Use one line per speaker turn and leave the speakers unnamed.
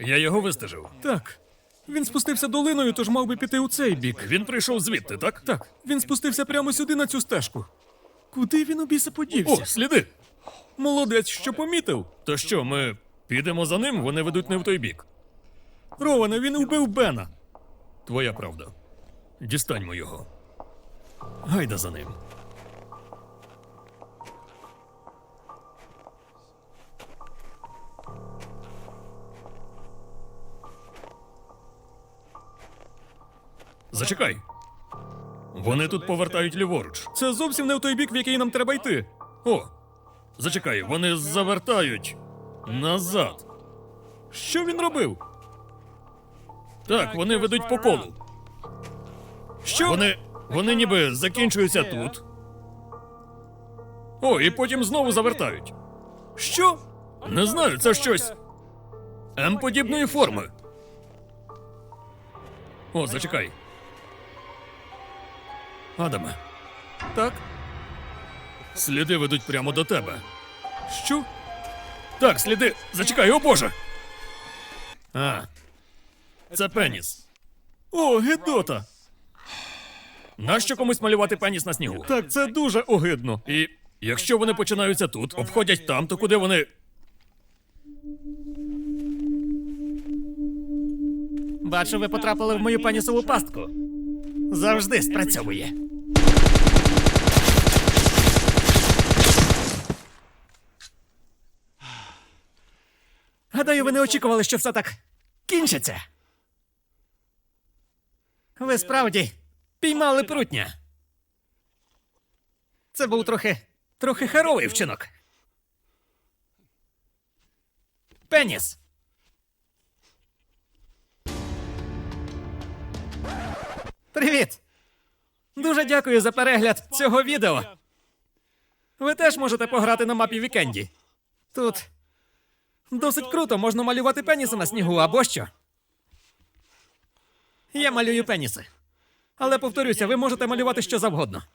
Я його вистежив.
Так. Він спустився долиною, тож мав би піти у цей бік.
Він прийшов звідти, так?
Так, він спустився прямо сюди на цю стежку. Куди він у біса подівся?
О, сліди!
Молодець, що помітив.
То що, ми підемо за ним, вони ведуть не в той бік.
Роване, він вбив Бена.
Твоя правда. Дістаньмо його. Гайда за ним. Зачекай. Вони тут повертають ліворуч.
Це зовсім не в той бік, в який нам треба йти.
О, зачекай, вони завертають назад.
Що він робив?
Так, вони ведуть по колу.
Що?
Вони ніби закінчуються тут. О, і потім знову завертають.
Що?
Не знаю, це щось М-подібної форми. О, зачекай. Адаме,
Так?
сліди ведуть прямо до тебе.
Що?
Так, сліди. Зачекай, о Боже! А, це пеніс.
О, гидота!
Нащо комусь малювати пеніс на снігу?
Так, це дуже огидно.
І якщо вони починаються тут, обходять там, то куди вони?
Бачу, ви потрапили в мою пенісову пастку. Завжди спрацьовує. Гадаю, ви не очікували, що все так кінчиться. Ви справді піймали прутня. Це був трохи херовий вчинок. Пеніс. Привіт! Дуже дякую за перегляд цього відео. Ви теж можете пограти на мапі Вікенді. Тут досить круто, можна малювати пеніси на снігу або що. Я малюю пеніси. Але повторюся, ви можете малювати що завгодно.